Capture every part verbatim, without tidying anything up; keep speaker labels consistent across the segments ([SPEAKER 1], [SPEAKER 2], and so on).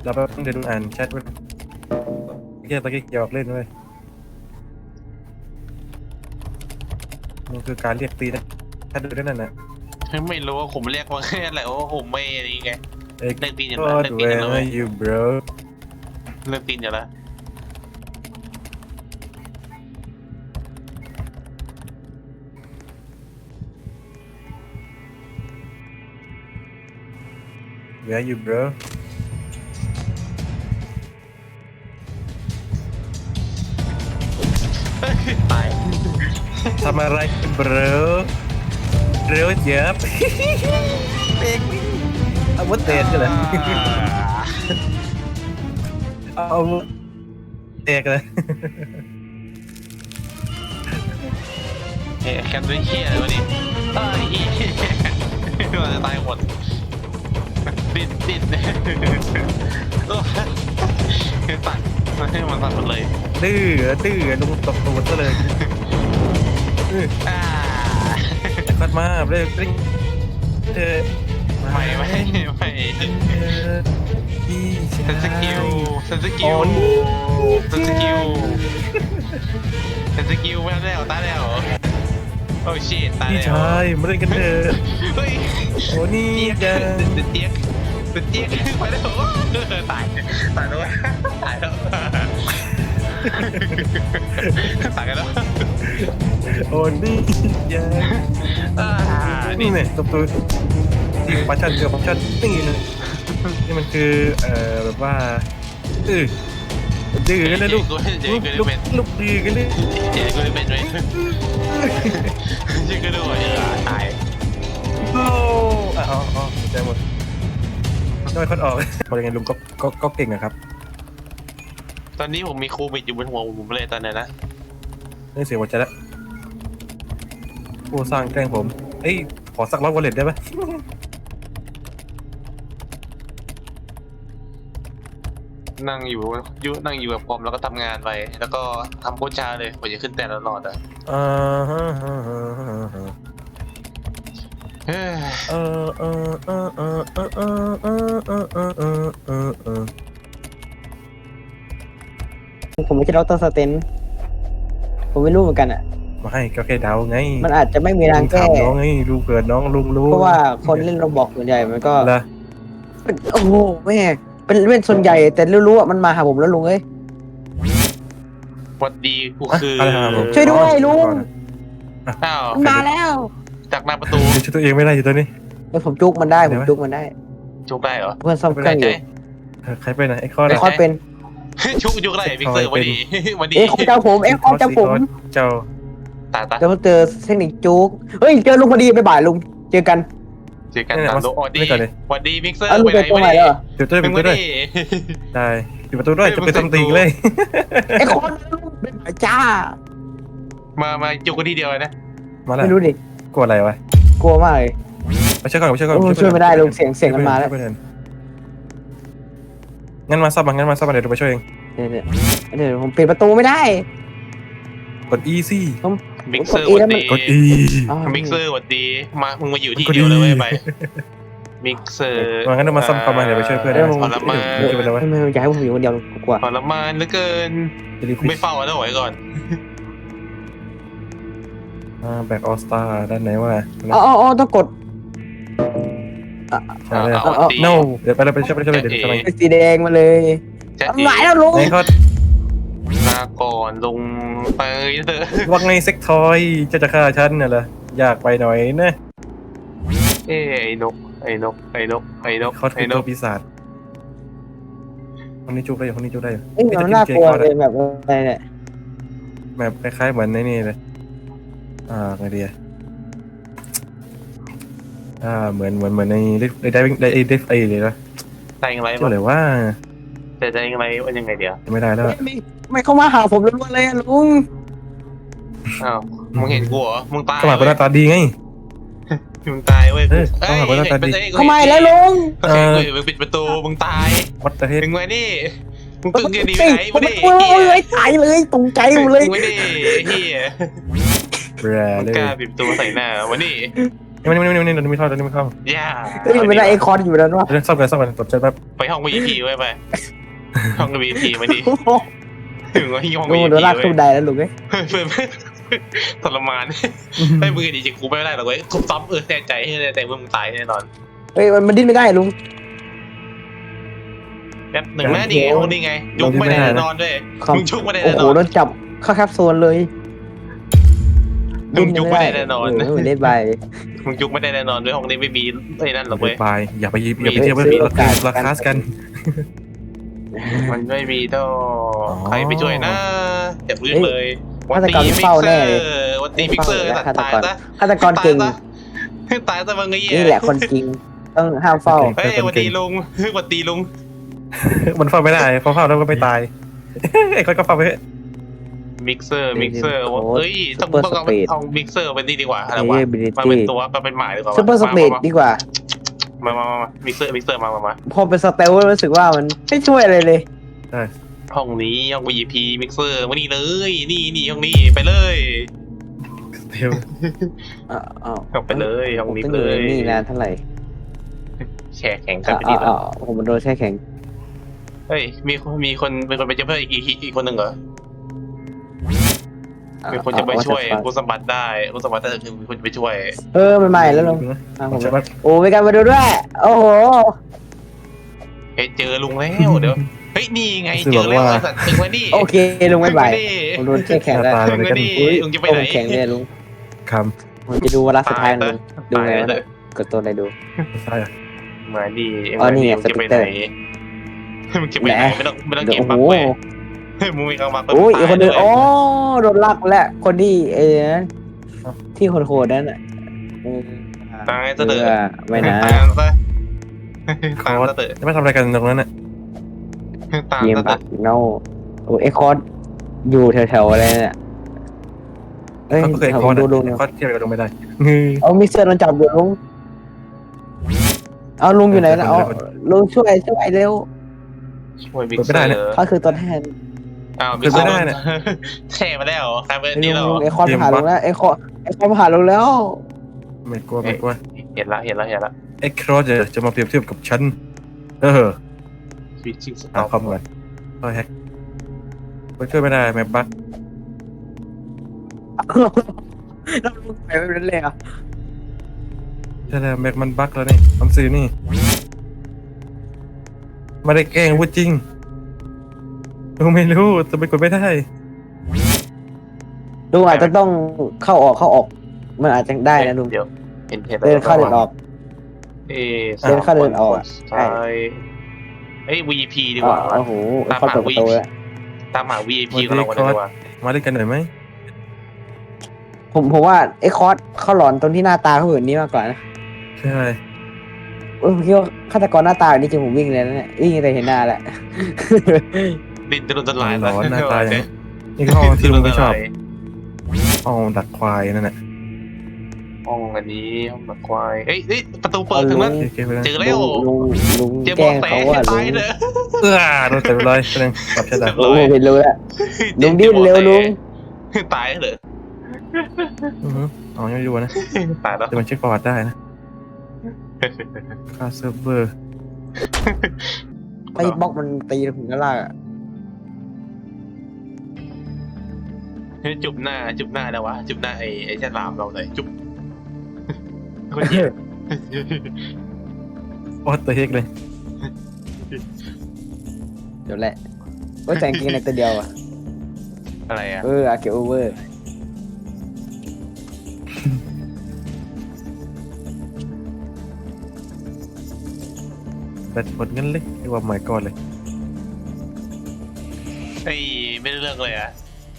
[SPEAKER 1] เราไปเดี๋ยวดูอ่านแชทไว้เกี่ยวกับเกี่ยวกับเล่นด้วยมันคือการเรียกตีนะถ้าดูได้นั่นน่ะ
[SPEAKER 2] ไม่รู้ว่าผมเรียกว่าแค่อะไรว่าผมไม่อะไรไงเลิกตีนอย่าง
[SPEAKER 1] ก็
[SPEAKER 2] นั้นเลิกตีนอย่างนั้น
[SPEAKER 1] where you bro
[SPEAKER 2] เลิกตีนอย่างนั้น
[SPEAKER 1] where you bro
[SPEAKER 2] ตาย
[SPEAKER 1] ทำอะไร bro bro เจ็บเด็กเอาวุธเตะกันเลยเอาวุธเตะกันเลย
[SPEAKER 2] เฮ้ยแคมป์ด้วยเฮียอะไรวะนี่เอ้ยเฮียมันจะตายหมดติดติดโอ้ตัดมันให้มันตัดหมดเลย
[SPEAKER 1] ดื้อดื้อลุงตบตัวซะเลย
[SPEAKER 2] อ่า
[SPEAKER 1] คัดมาเรื่อยเรื่อยเออ
[SPEAKER 2] ไม่ไม่ไม่ฉันสกิลฉันสกิลฉันสกิลฉันสกิลไม่ได้แล้วตายแล้วโอ้ชิตตาย
[SPEAKER 1] พี่
[SPEAKER 2] แล้ว
[SPEAKER 1] ชายมาเล่นกันเถอะ
[SPEAKER 2] เฮ้ย
[SPEAKER 1] โอ้นี่
[SPEAKER 2] เจี๊ย
[SPEAKER 1] จะ
[SPEAKER 2] กเจี๊ยกเจี๊ยกไปแล้วตายตายแล้วตายแล้วตายกันแล้ว
[SPEAKER 1] โอ้นี่จะ
[SPEAKER 2] อ่า
[SPEAKER 1] นี่เนี่ยตบตัวตีปัชชันเกือบปัชชันนี่เลยนี่มันคือเอ่อแบบว่าเออดื้อกันนะลูก
[SPEAKER 2] เจ๊
[SPEAKER 1] ลูก
[SPEAKER 2] ก็
[SPEAKER 1] ลูก
[SPEAKER 2] เป็น
[SPEAKER 1] ลูกดื้อกันเลย
[SPEAKER 2] เจ๊ก็เป็นด้วยเจ๊ก็ด้วยตาย
[SPEAKER 1] โอ้อ๋ออ๋อใจหมดน้อยคนออกพอยังไงลุงก็ก็ก็เก่งอะครับ
[SPEAKER 2] ตอนนี้ผมมีโควิดอยู่บนหัวผมเลยตอนนี้นะ
[SPEAKER 1] นี่เสียหัวใจแล้วผู้สร้างแกล้งผมเอ้ยขอสักร้อยวอลเล็ตได้ไหม
[SPEAKER 2] นั่งอยู่ยุนั่งอยู่กับผมแล้วก็ทำงานไปแล้วก็ทำโคชาเลยผมจะขึ้นแต่ละหลอดอ่ะ
[SPEAKER 1] อ่าฮะฮะฮะฮะ
[SPEAKER 2] เฮ้ย
[SPEAKER 1] เออเออเออเออเออเออเออเออเออเออเออเออ
[SPEAKER 3] ผมไม่ใช่ดรสเตนผมไม่รู้เหมือนกันอ่ะ
[SPEAKER 1] มาให้ก็แค่เดาไง
[SPEAKER 3] มันอาจจะไม่มีทางแก้
[SPEAKER 1] ถามน้องไงลุงเกิดน้องลุงรู้
[SPEAKER 3] เพราะว่าคนเล่นโรบอกส่วนใหญ่มันก็
[SPEAKER 1] ละ
[SPEAKER 3] โอ้โหแม่เป็นเล่นส่วนใหญ่ แต่รู้ๆอ่ะมันมาหาผมแล้วลุงเอ้ย
[SPEAKER 2] สวัสดีกูคือ
[SPEAKER 1] อะไรครับผม
[SPEAKER 3] ช่วยด้วยลุง
[SPEAKER 2] อ้าว
[SPEAKER 3] มันมาแล้ว
[SPEAKER 2] จากหน้าประตู
[SPEAKER 1] ช่วยตัวเองไม่ได้อยู่ตัวนี้
[SPEAKER 3] เฮ้ยผมจุกมันได้ผมจุกมันได้
[SPEAKER 2] จุกได้เหรอ
[SPEAKER 3] เพื่อนซ่อมเครื่องอยู่
[SPEAKER 1] ใครไปไหนไอ้ข้อ
[SPEAKER 3] ไอ้
[SPEAKER 1] นะ
[SPEAKER 3] คอสเป็น
[SPEAKER 2] ชุกจุกได้พิกเซอร์วันดีวันดี
[SPEAKER 3] เอ้ยคอสเจ้าผมเอ้ยคอสเจ้าผม
[SPEAKER 1] เจ้า
[SPEAKER 2] ตาตา
[SPEAKER 3] เดี๋ยวผมเจอเทคนิคจุกเฮ้ยเจอลุงพอดีไปบ่ายลุงเจอกัน
[SPEAKER 2] เจอกันตามโลวันดีวันดีพิกเซอร์
[SPEAKER 3] เอาลุง
[SPEAKER 2] ไป
[SPEAKER 3] ไป
[SPEAKER 2] ไหน
[SPEAKER 3] ตรง
[SPEAKER 2] วัน
[SPEAKER 3] ไหน
[SPEAKER 2] ดี
[SPEAKER 3] เหรอ
[SPEAKER 1] เดี๋ยวตัว
[SPEAKER 2] มึ
[SPEAKER 1] เป็
[SPEAKER 2] ง
[SPEAKER 1] น
[SPEAKER 2] วั
[SPEAKER 1] ตัวน ด้วย
[SPEAKER 2] ดี
[SPEAKER 1] ได้ปิดประตูด้วยจะไปซัมติงเลย
[SPEAKER 3] ไอ้คอนเป็นบ่ายจ้า
[SPEAKER 2] มามาจุกกันทีเดียวนะ
[SPEAKER 1] มาแล้ว
[SPEAKER 3] ไม่รู้ดิ
[SPEAKER 1] กลัวอะไรวะ
[SPEAKER 3] กลัวมากเลย
[SPEAKER 1] ไปช่วยก่อนไปช่วยก่อน
[SPEAKER 3] โอ้ช่วยไม่ได้ลุงเสียงเสียงมันมาแล้ว
[SPEAKER 1] งั้นมาซับมางั้นมาซับมาเดี๋ยวเราไปช่วยเอง
[SPEAKER 3] เดี๋ยวเดี๋ยวเดี๋ยวผมปิดประตูไม่ได้
[SPEAKER 1] กด E สิ
[SPEAKER 2] มิกเซอร์วันดี
[SPEAKER 1] กด E
[SPEAKER 3] อ้าว
[SPEAKER 2] มิกเซอร์วันดีมามึงมาอยู่ที่เดียวเลยไปมิกเซอร์
[SPEAKER 1] มางั้นเรามาซับเข้ามาเดี๋ยวไปช่วยเพื่อน
[SPEAKER 3] เดี๋ยว
[SPEAKER 2] ทรมาน
[SPEAKER 1] ช่วยไปแล้ววะ
[SPEAKER 3] ไม่ไม่อยากให้ผมอยู่คนเดียวกลัว
[SPEAKER 2] ทรมานเหลือเกิน
[SPEAKER 1] จะรีบ
[SPEAKER 2] ไม่เฝ้าแล้วไหวก่อน
[SPEAKER 1] แบ็กออสตาด้านไหนวะ
[SPEAKER 3] อ๋ออ๋อต้องกด
[SPEAKER 1] ใช่เลย
[SPEAKER 2] เอาตี
[SPEAKER 1] no เดี๋ยวไปเลยไปช่วยไปช่วยเดี๋ยวทำไม
[SPEAKER 3] เป็นสีแดงมาเลย
[SPEAKER 2] จะ
[SPEAKER 3] หมายแล้วลุง
[SPEAKER 1] ไหนเขา
[SPEAKER 2] ลาก่อนลงไปเถอะ
[SPEAKER 1] ว่าไงเซ็กทอยจะจะฆ่าฉันน่ะเหรออยากไปหน่อยนะ
[SPEAKER 2] เอ้ไอ้นกไอ้นกไอ้นกไอ้นก
[SPEAKER 1] เขาคื
[SPEAKER 2] ไอ้
[SPEAKER 1] อน ตั
[SPEAKER 2] ก
[SPEAKER 1] วปีศาจคนนี้จุกได้อยู่คนนี้จุกได้อยู่
[SPEAKER 3] เอ้ยมันน่ากลัวเลยแบบอะไรเนี่ย
[SPEAKER 1] แบบคล้ายๆเหมือนในนี่เลยอ่าไงดีอ่ะอ่าเหมือนเหมือนเหมือนในในได้ได้ได้ได้ไอ้เลยนะ
[SPEAKER 2] ใจยังไง
[SPEAKER 1] เจ้าเลยว่า
[SPEAKER 2] แต่ใจยังไงว่ายังไงเดี๋ยว
[SPEAKER 1] ไม่ได้แล้ว
[SPEAKER 3] ไม่ไม่เข้ามาหาผมล้วนๆเลยอะลุง
[SPEAKER 2] อ้าวมึงเห็นกูเหรอมึงตาย
[SPEAKER 1] ก็หมายเป็นหน้าตาดีไง
[SPEAKER 2] มึงตายเว้ย
[SPEAKER 1] เออเข้ามาเป็นหน้าตาดี
[SPEAKER 3] เข้ามาแล้วลุง
[SPEAKER 2] เฮ้ยมึงปิดประตูมึงตาย
[SPEAKER 1] วัดประเทศ
[SPEAKER 2] มึงไว้นี่มึงตึงจะดีไปไหน
[SPEAKER 3] ผม
[SPEAKER 2] มา
[SPEAKER 3] ไม่
[SPEAKER 2] ดิ
[SPEAKER 3] กลัวเลยตายเลยตกใจหมดเลย
[SPEAKER 2] มึงไว้ดิเฮีย
[SPEAKER 1] แบร
[SPEAKER 2] มึง
[SPEAKER 1] เลย
[SPEAKER 2] กล้าปิดประตูใส่หน้าวันนี้
[SPEAKER 1] นี่มันนี่มันนี่มันไม่เข้านี่ไม่เข้า
[SPEAKER 2] ย่า
[SPEAKER 3] เฮ้ยมันได้ไอคอนอยู่แล้ววะ
[SPEAKER 1] เรื่องซ่อมกันซ่อมกันกดเจ็ดแบบ
[SPEAKER 2] ไปห้อง วี ไอ พี ไว้ไปห้อง วี ไอ พี มาดิถึงว่าห้อง
[SPEAKER 3] ลุ
[SPEAKER 2] วี
[SPEAKER 3] ง
[SPEAKER 2] ไอ
[SPEAKER 3] โด
[SPEAKER 2] พี
[SPEAKER 3] นลาก
[SPEAKER 2] เว้
[SPEAKER 3] ทุ
[SPEAKER 2] ย
[SPEAKER 3] บได้แล้วลุงเอ้ย
[SPEAKER 2] เพื่อนทรมานไม่มือดีจริงกูไม่ได้หรอกเว้ยกูซ้อมเออแน่ใจให้แน่ใจว่ามึงตายแน่นอน
[SPEAKER 3] เฮ้ยมันมันดิ้นไม่ได้ลุง
[SPEAKER 2] แป๊บหนึ่งแม่นี่ไงห้องนี้ไงยุกไม่ได้แน่นอนด้วย
[SPEAKER 3] ครับ
[SPEAKER 2] มึงชุกไม่ได้
[SPEAKER 3] โอ้
[SPEAKER 2] แน่น
[SPEAKER 3] โห
[SPEAKER 2] อน
[SPEAKER 3] โดนจับเข้าแคปซูลเลย
[SPEAKER 2] มึงยุกไม่ได้แน่นอน
[SPEAKER 3] เออเล่นไป
[SPEAKER 2] มึงยุกไม่ได้แน่นอนด้วยห้องนี้ไม่มีไอ้นั่นหรอก
[SPEAKER 1] ไป
[SPEAKER 2] เว้ย
[SPEAKER 1] ไปอย่าไปอย่าไปเทียบไม่มีราคาราคากัน
[SPEAKER 2] มันไม่มีท่อใครไปช่วยนะเจ็บรื้นเลย
[SPEAKER 3] ฆาตกรเฝ้าแน่เลย
[SPEAKER 2] วันตีมิกเซอร์
[SPEAKER 3] ฆาต
[SPEAKER 2] ตาย
[SPEAKER 3] กร
[SPEAKER 2] ซะ
[SPEAKER 3] ฆาตกรเก่ง
[SPEAKER 2] ตายซะมึงไอ้เหี้ย
[SPEAKER 3] นี่แหละคนจริงต้องห้ามเฝ้า
[SPEAKER 2] เฮ้ยวันตีลุงวันตีลุง
[SPEAKER 1] มันเฝ้าไม่ได้เฝ้าเฝ้าแล้วก็ไม่ตายไอ้คนก็เฝ้าไป
[SPEAKER 2] มิกเซอร์มิกเซอร์เฮ้ยต้องต้องเอาเอามิกเซอร์เป็นนี่ดีกว่าอะไรวะ
[SPEAKER 3] Ability
[SPEAKER 2] มาเป็นตัวมาเป็นหมายดีกว่า
[SPEAKER 3] ซูเปอร์สปีดดีกว่า
[SPEAKER 2] มามามามิกเซอร์มิกเซอร์มามามา
[SPEAKER 3] พอเป็นสเตลรู้สึกว่ามันไม่ช่วยอะไรเลย
[SPEAKER 2] ห้องนี้ห้อง วี ไอ พี มิกเซอร์มานี่เลยนี่นี่ห้องนี้ไปเลย
[SPEAKER 1] เดียว
[SPEAKER 3] อ้าวอ้าว
[SPEAKER 2] เข้าไปเลยห้องนี้
[SPEAKER 3] ผม
[SPEAKER 2] เล
[SPEAKER 3] ต้องอยู่
[SPEAKER 2] ย
[SPEAKER 3] ในนี่นานเท่าไหร่
[SPEAKER 2] แช่แข็งกัน
[SPEAKER 3] อ้าว
[SPEAKER 2] ไปดี
[SPEAKER 3] อ้าว
[SPEAKER 2] แล้ว
[SPEAKER 3] อ้าวผมโดนแช่แข็ง
[SPEAKER 2] เฮ้ยมีมีคนมีคนไปเจอเพื่อนอีกอีกอีกคนหนึ่งเหรอ มีคนจะไปช่วยคุณสมบัติได้คุณสมบัติได้คือมีคนจะไปช่วย
[SPEAKER 3] เออมันใหม่แล้วลุงอ่ะผม
[SPEAKER 1] ใช่ปะ
[SPEAKER 3] โอ้มีการมาดูด้วย โอ้โห
[SPEAKER 2] เฮ้ยเจอลุงแล้วเดี๋ยวเฮ้ยนี่ไงเจอแล้วไอ้สัตว์ถึงวันนี้
[SPEAKER 3] โอเคลุงไม่ไหวผมโดนแช่แข็งแล้ว
[SPEAKER 2] ถึงวันนี้
[SPEAKER 3] อุ้ย
[SPEAKER 2] ลุงจะไป
[SPEAKER 3] ผ
[SPEAKER 2] ไหน
[SPEAKER 3] มแข็งเลยลุง
[SPEAKER 1] ค
[SPEAKER 3] ผมจะดูวาระสุดท้ายของลุงดูไงวะ
[SPEAKER 2] เลย
[SPEAKER 3] กดตัวอะไรดู
[SPEAKER 1] ำใช่อะ
[SPEAKER 2] มาดี
[SPEAKER 3] อ๋อนี่ไง
[SPEAKER 2] มึงจะไป
[SPEAKER 3] สติ๊กเก
[SPEAKER 2] ไห
[SPEAKER 3] อน ร์
[SPEAKER 2] มึงจะไปไหนไม่ต้องไม่ต้อง
[SPEAKER 3] เดี๋ย
[SPEAKER 2] เก็
[SPEAKER 3] ว
[SPEAKER 2] บ
[SPEAKER 3] โอ้
[SPEAKER 2] บัก
[SPEAKER 3] โห
[SPEAKER 2] เว้ยมึงมีกำบัก
[SPEAKER 3] โอ้ยอีกคนนึงอ๋อโดนลากแล้วคนที่เอ้นะที่โหดๆนั่นน่ะเออ
[SPEAKER 2] ตายซะเถ
[SPEAKER 3] เอ
[SPEAKER 2] อะ
[SPEAKER 3] อไม่นะ
[SPEAKER 2] ตามซะตามซะเถอะ
[SPEAKER 1] จะไม่ทำอะไรกันตรงนั้นน่ะ
[SPEAKER 2] ตาม
[SPEAKER 3] เกม
[SPEAKER 2] ซะเถ
[SPEAKER 3] บั
[SPEAKER 2] อะ
[SPEAKER 3] กเน่าโอ้เอ็กคอร์ดอยู่แถวๆอะไรเนี่ยเอ้ย
[SPEAKER 1] เขาก็เคย
[SPEAKER 3] แถว
[SPEAKER 1] คอร์ด
[SPEAKER 3] ดูดู
[SPEAKER 1] คอร์ดเทียบกันลงไม่ได้
[SPEAKER 3] เอามิกเซอร์โดนจับอยู่ลุงเอาลุงอยู่ไหนนะเอาลุงช่วยช่วยเร็ว
[SPEAKER 2] ช่วยบิ๊กเซอร์
[SPEAKER 3] เขาคือตัวแทน
[SPEAKER 2] อ้าวบิ๊กเซอร์แช่มาแล้วใครเป็น
[SPEAKER 3] ไอ้
[SPEAKER 2] นี่
[SPEAKER 3] ลุ
[SPEAKER 2] แล้ว
[SPEAKER 3] งลุงไอคอนผ่านลุงแล้วไอคอนไอคอนผ่านลุงแล้ว
[SPEAKER 1] ไม่กลัวไม่กลัว
[SPEAKER 2] เห็นละเห็นละเห็นละ
[SPEAKER 1] ไอ้ครอสจะจะมาเปรียบเทียบกับฉันเออ
[SPEAKER 2] สวิตชิ่งสต็
[SPEAKER 1] เอา
[SPEAKER 2] อป
[SPEAKER 1] คำก่อนเอาแฮกไปช่วยไม่ได้แมปบั๊ก
[SPEAKER 3] แล้วลุงไปไม่เป็นเลยอ่ะ
[SPEAKER 1] ใช่แล้วแมปมันบั๊กแล้วนี่คำซื้อนี่ไม่ได้แกล้งพูดจริงลุงไม่รู้จะไปกดไม่ได้
[SPEAKER 3] ลุงอาจจะต้องเข้าออกเข้าออก มันอาจจะได้นะลุง
[SPEAKER 2] เดี๋ยวเห็นเห็น
[SPEAKER 3] เดินเข้าเดินออก
[SPEAKER 2] เอ๊ะ
[SPEAKER 3] เดินเข้าเดินออกอะ
[SPEAKER 2] ใช่เอ้ย วี ไอ พี ดีกว่า
[SPEAKER 3] โอ้โหเข้าเปิดประตูแล้ว
[SPEAKER 2] ตามหา วี ไอ พี ของเรากันดีกว่า
[SPEAKER 1] มาเล่นกันหน่อยไหม
[SPEAKER 3] ผมผมว่าไอคอร์สเขาหลอนตรงที่หน้าตาเขาแบบนี้มากกว่านะ
[SPEAKER 1] ใช่
[SPEAKER 3] เออผมคิดว่าฆาตกรหน้าตาแบบนี้จริงผมวิ่งเลยนะเนี่ยวิ่งแต่เห็นหน้าแหละ
[SPEAKER 2] ดินจะโดนทลาย
[SPEAKER 1] หลอนหน้าตาอย่างนี้นี่ก็ห้องที่ลุงไม่ชอบห้องดักควายนั่นแหละ
[SPEAKER 2] ห้องอันนี้ห้องหมักควายเอ้ยเอ้ยประตูเปิดถึงแล้ว
[SPEAKER 1] โอเคไปแล้ว
[SPEAKER 2] เจอแล้
[SPEAKER 3] ลุ
[SPEAKER 2] ว
[SPEAKER 3] งลุงลุง
[SPEAKER 2] เจอ
[SPEAKER 3] แก
[SPEAKER 2] บอ
[SPEAKER 3] ล้
[SPEAKER 2] ก
[SPEAKER 3] ง
[SPEAKER 2] แส
[SPEAKER 3] เขาว่าลุ
[SPEAKER 2] ตาย
[SPEAKER 3] ง
[SPEAKER 2] เลย
[SPEAKER 1] เออโดนเต็มเลยแสดงปรับชะตา
[SPEAKER 3] โอ้โหเห็นรู้แล้ว ลุงดิ้นเร็วลุง
[SPEAKER 2] ตายเลย
[SPEAKER 1] อือฮึอ๋อยังไม่รู้นะ
[SPEAKER 2] ตายแล้ว
[SPEAKER 1] แต่มันเช็คประวัติได้นะค่าเซิร์ฟเวอร์
[SPEAKER 3] ไอ้บล็อกมันตีถึงกระลากอ่ะ
[SPEAKER 2] จุบหน้าจุบหน้าแล้ววะจุบหน้าไอ้ไอ้ฉลามเราเลยจุบคนเหี้ย
[SPEAKER 1] โอ้ตัวเฮกเลย
[SPEAKER 3] เดี๋ยวแหละว่าแต่งกินในตัวเดียวอ่ะ
[SPEAKER 2] อะไรอ่ะ
[SPEAKER 3] เอออาเกโอเวอร์
[SPEAKER 1] แต่หมดเงินเลยไอ้ว่าหมายก่อนเลย
[SPEAKER 2] ไอ้ไม่ได้เรื่องเลยอ่ะ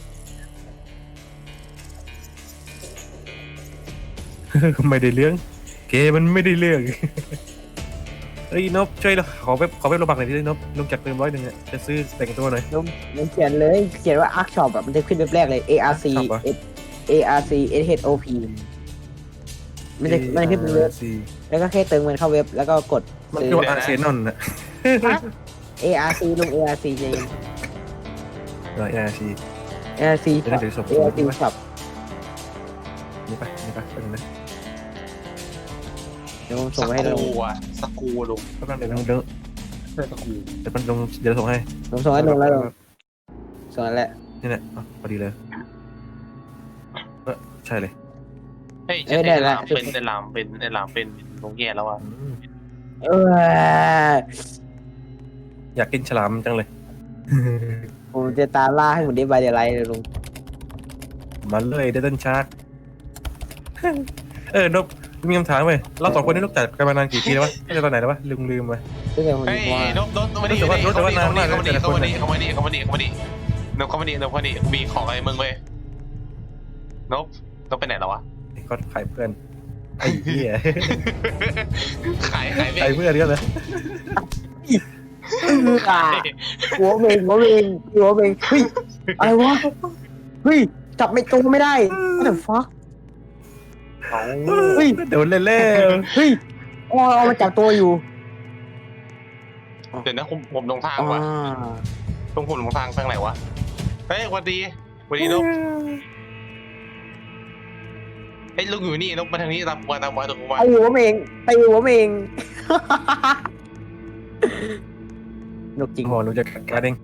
[SPEAKER 1] ไม่ได้เรื่องเกมมันไม่ได้เรื่องเฮ้ยนบช่วยเราขอเว็บขอเว็บโลบักหน่อยพี่นบลงจากเติมร้อยหนึ่งเนี่ยจะซื้อแต่งตัวหน่อย
[SPEAKER 3] ลุงลุงเขียนเลยเขียนว่าอาร์คช็อปแบบมันจะขึ้นเว็บแรกเลย A R C
[SPEAKER 1] Arc Shop เหรอ
[SPEAKER 3] S A R C S H O P มันจะมันจะขึ้นเป็นเว็บ
[SPEAKER 1] ซี
[SPEAKER 3] แล้วก็แค่เติมเงินเข้าเว็บแล้วก็กด
[SPEAKER 1] มัน
[SPEAKER 3] ซื้
[SPEAKER 1] เรียก
[SPEAKER 3] อ
[SPEAKER 1] ว่าอาร์เซนอลนะ
[SPEAKER 3] A R C ลุง A R C จริง
[SPEAKER 1] เออ A R C
[SPEAKER 3] A R C
[SPEAKER 1] จะได้ถือศพ
[SPEAKER 3] A R C ช็อป
[SPEAKER 1] นี่ไปนี่ไปไปตรงนี้
[SPEAKER 3] เดี๋ยวผม
[SPEAKER 2] ส
[SPEAKER 3] ส่งให้
[SPEAKER 2] ก
[SPEAKER 3] ลง
[SPEAKER 2] รูอะสกรูลุง
[SPEAKER 1] แป๊บนึงเดี๋ยวเดี๋ยว
[SPEAKER 2] ใช่สกรู
[SPEAKER 1] เดี๋ยวมันลงเดี๋ยวส่งให้
[SPEAKER 3] ผมส่งให้ลงแล้วลงส่งแล้วแหละ
[SPEAKER 1] นี่แหละอ๋อพอดีเลยเออใช่เลย
[SPEAKER 2] เฮ้ยใช่ไอ้ลามเป็นไอ้ลามเป็นไอ้ลามเป็นลุงแย่แล้วอ่ะ
[SPEAKER 1] อืม
[SPEAKER 3] เออ
[SPEAKER 1] อยากกินฉลามจังเลย
[SPEAKER 3] ผมจะตามล่าให้หมดได้ใบเดียวไรเลยลุง
[SPEAKER 1] มาเลยเดตันชาร์ก เออนบมีคำถามเว้ยเราสองคนนี้รู้จักกันมานานกี่ปีแล้ววะตั้งแต่ตอนไหนแล้ววะลืมลืมไป
[SPEAKER 3] ตั้งแต่ผม
[SPEAKER 2] เฮ้ย
[SPEAKER 3] ว่า
[SPEAKER 2] นบนบมาดิ
[SPEAKER 1] รู้แต่ว่ารู้แต่ว่านานมากเลย
[SPEAKER 2] เข้ามาดิ
[SPEAKER 1] แต่ละ
[SPEAKER 2] เข้า
[SPEAKER 1] คน
[SPEAKER 2] มาดิเข้ามาดิเข้ามาดิเข้ามาดิเข้ามาดินบเข้ามาดินบเข้ามาดิมีของอะไรมึงเว้ยนบนบไปไหนแล้ววะ
[SPEAKER 1] ไอ้ก็ขายเพื่อนไอ้เหี้ย
[SPEAKER 2] ขายขายไป
[SPEAKER 1] ขายเพื่อนก็เลย
[SPEAKER 3] อ่าหัวเบงหัวเบงหัวเบงเฮ้ยอะไรวะเฮ้ยจับไม่ตรงไม่ได้ what the fuck เฮ้ย
[SPEAKER 1] โดนเล่เล่
[SPEAKER 3] เฮ้ยอ๋อเอามาจับตัวอยู่
[SPEAKER 2] เดี๋ยวนะผมผมลงทาง
[SPEAKER 3] อ่า
[SPEAKER 2] ว่ะตรงผมลงทางทางไหนวะเฮ้ยวันดีวันดีนบไอ้ยลุงอยู่นี่นบมาทางนี้ตามมาตามมาตรงมา
[SPEAKER 3] ไอหัวเมงไอหัวเมงนกจริง
[SPEAKER 1] โอ้โหลุงจะการเอง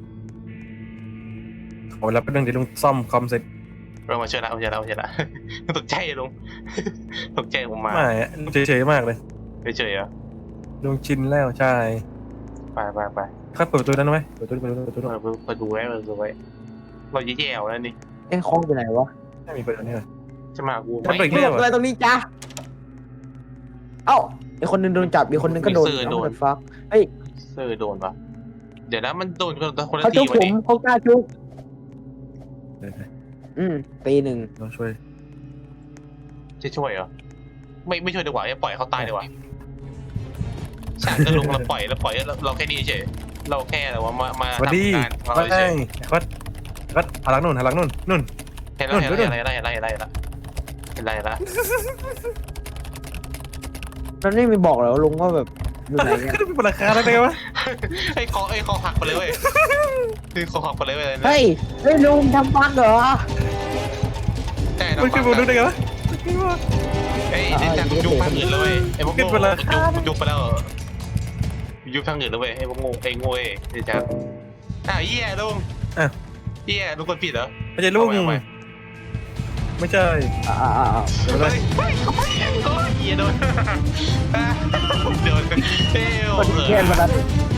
[SPEAKER 1] โอ้แล้วเป็นเรื่องที่ลุงซ่อมคอมเสร็จ
[SPEAKER 2] เรามาเชิญแล้วเชิญแล้วเชิญแล้วตกใจลุงตกใจผมมา
[SPEAKER 1] ไม่อะลุงเฉยๆมากเลย
[SPEAKER 2] เฉยๆเหรอ
[SPEAKER 1] ลุงชินแล้วใช่
[SPEAKER 2] ไปไปไป
[SPEAKER 1] ครับเปิดประตูนั้นไว้เปิดประตูเปิดประตูเปิดประตู
[SPEAKER 2] เปิดเปิดดูไว้เปิดดูไว้เราแย่ๆแล้วนี่
[SPEAKER 3] ไอ้คล้องไปไหนวะ
[SPEAKER 1] ไม่มีเปิดอันนี้เลย
[SPEAKER 2] จะมากู
[SPEAKER 1] มันเปิด
[SPEAKER 3] มึงหลบอะไรตรงนี้จ้าเอ้าไอคนหนึงโดนจับอีกคนหนึงก็โดนโดนฟักเฮ้ย
[SPEAKER 2] เซอร์โดนปะเดี๋ยวนะมันโดนคนละคนละ
[SPEAKER 3] เขา
[SPEAKER 2] ที
[SPEAKER 3] จุก
[SPEAKER 2] วะ
[SPEAKER 3] ผม
[SPEAKER 2] นี่
[SPEAKER 3] เขากล้าจุก
[SPEAKER 1] เดี๋ยว
[SPEAKER 3] อืมตีหนึ่ง
[SPEAKER 1] ๆเราช่วย
[SPEAKER 2] จะช่วยเหรอไม่ไม่ช่วยดีกว่าปล่อยเขาตายดีกว่าฉากจะลงเราปล่อยเราปล่อยเราเราแค่นี้เฉยเราแค่แต่ว่ามามา
[SPEAKER 1] สวัสดี
[SPEAKER 2] ทำการของ
[SPEAKER 1] ว่า
[SPEAKER 2] เรา
[SPEAKER 1] ไง
[SPEAKER 2] เฉย
[SPEAKER 1] วัดวัดหันหลังนู่นหันหลังนู่นนู่น
[SPEAKER 2] เห็นแล้วเห็นแล้วเห็นแล้วเห็นแล้วเห็นแล้วเห็นแล้วเห็นแล้วเห็นแล้ว
[SPEAKER 3] แล้วนี่มีบอกเหรอลุงว่าแบบอยู่ไหนเนี่ย
[SPEAKER 1] ก็เป็นราคาแล้วไงวะ
[SPEAKER 2] ไอ้คอไอ้คอหักไปเลยเว้ยไอ้คอหักไปเลยเว้ย
[SPEAKER 3] เฮ้ยเฮ้ยลุงทำฟักเหรอ
[SPEAKER 2] แต่
[SPEAKER 1] มันคือผมดูได้ไงวะ
[SPEAKER 2] ไอ้ดิจังยุบทางอื่นเลยไอ้พวกโง่ยุบยุบไปแล้วยุบทางอื่นแล้วเว้ยไอ้พวกโง่ไอ้โง่ไอ้ดิจังอ้าวเหี้ยลุงเหี้ยลุงคนผิดเหรอ
[SPEAKER 1] ไม่ใช่ลุงไม่ใช่
[SPEAKER 3] อ่าอ่าอ่า
[SPEAKER 1] เดี๋ยว
[SPEAKER 2] เฮ้
[SPEAKER 1] เลย
[SPEAKER 2] ยเฮ้ยเขาไม่โอ้ยเหี้ยโดนโดนเอ้ย
[SPEAKER 3] คนเทียนมาแล้ว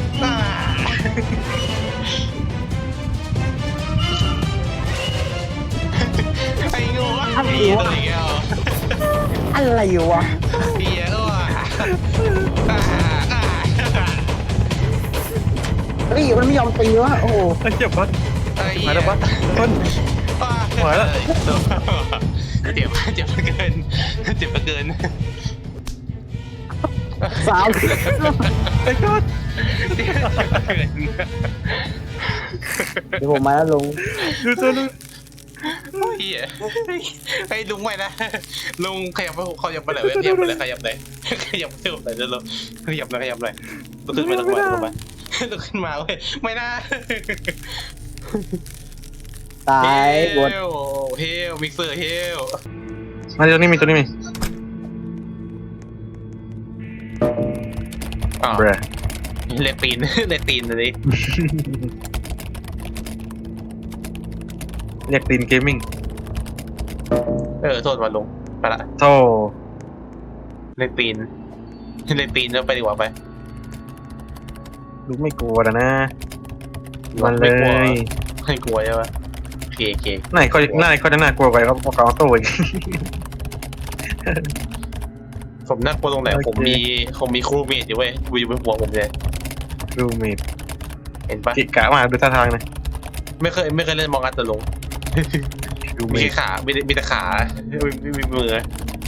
[SPEAKER 2] ไอ้โง่ไอ้เหี้ยตัวเงี้ย
[SPEAKER 3] อะไรอยู่วะ
[SPEAKER 2] เหี้ยเออ
[SPEAKER 3] เฮ้ยมันไม่ยอมตีวะโอ้โห
[SPEAKER 1] ไอ้เจ็บวัด
[SPEAKER 2] ไอ้
[SPEAKER 1] หายแล้ววัดต้น หายแล้ว
[SPEAKER 2] เจ็บเจ็บเกินเจ็บเกิน
[SPEAKER 3] สาม
[SPEAKER 1] ไอ้ก้อน
[SPEAKER 3] เดี๋ยวผมมาแล้วลุง
[SPEAKER 1] ดูตัวลุง
[SPEAKER 2] เฮียไอ้ลุงไม่นะลุงขยับไปขยับไปเลยขยับไปเลยขยับเลยขยับเพิ่มเลยเดี๋ยวเราขยับเลยขยับเลยลุกขึ้นมาลุกขึ้นมาลุกขึ้นมาเว้ยไม่น่า
[SPEAKER 3] ตายบด
[SPEAKER 2] เฮลเฮลมิกเซอร์เฮล
[SPEAKER 1] มาตัวนี้มีตัวนี้มี
[SPEAKER 2] อ๋อ
[SPEAKER 1] เบร
[SPEAKER 2] เลตีนเลตีนเลย
[SPEAKER 1] เรียกตีนเกมมิ่ง
[SPEAKER 2] เออโทษมาลุงไปละ
[SPEAKER 1] โธ่
[SPEAKER 2] เลตีนเลตีนแล้วไปดีกว่าไป
[SPEAKER 1] ลุงไม่กลัวนะนะมันเล
[SPEAKER 2] ไม่กลัว
[SPEAKER 1] ย
[SPEAKER 2] ไม่กลัวใช่ปะโอเคโอเค
[SPEAKER 1] ไหนก็ไหนก็จะน่ากลัวไปเขาเขาเอาตัวอีก
[SPEAKER 2] ผมน่ากลัวตรงไหน
[SPEAKER 1] โอเค
[SPEAKER 2] ผมมีผมมีครูเมทอยู่เว้ยอยู่บนหัวผมเลย
[SPEAKER 1] รูเมด
[SPEAKER 2] เห็นปะ
[SPEAKER 1] กิกะมากดูท่าทางนะ
[SPEAKER 2] ไม่เคยไม่เคยเล่นมองอัตตลง
[SPEAKER 1] รู
[SPEAKER 2] มี
[SPEAKER 1] เมด
[SPEAKER 2] แค่ขามีแต่มีแต่ขาไม่มีไม่มีมือ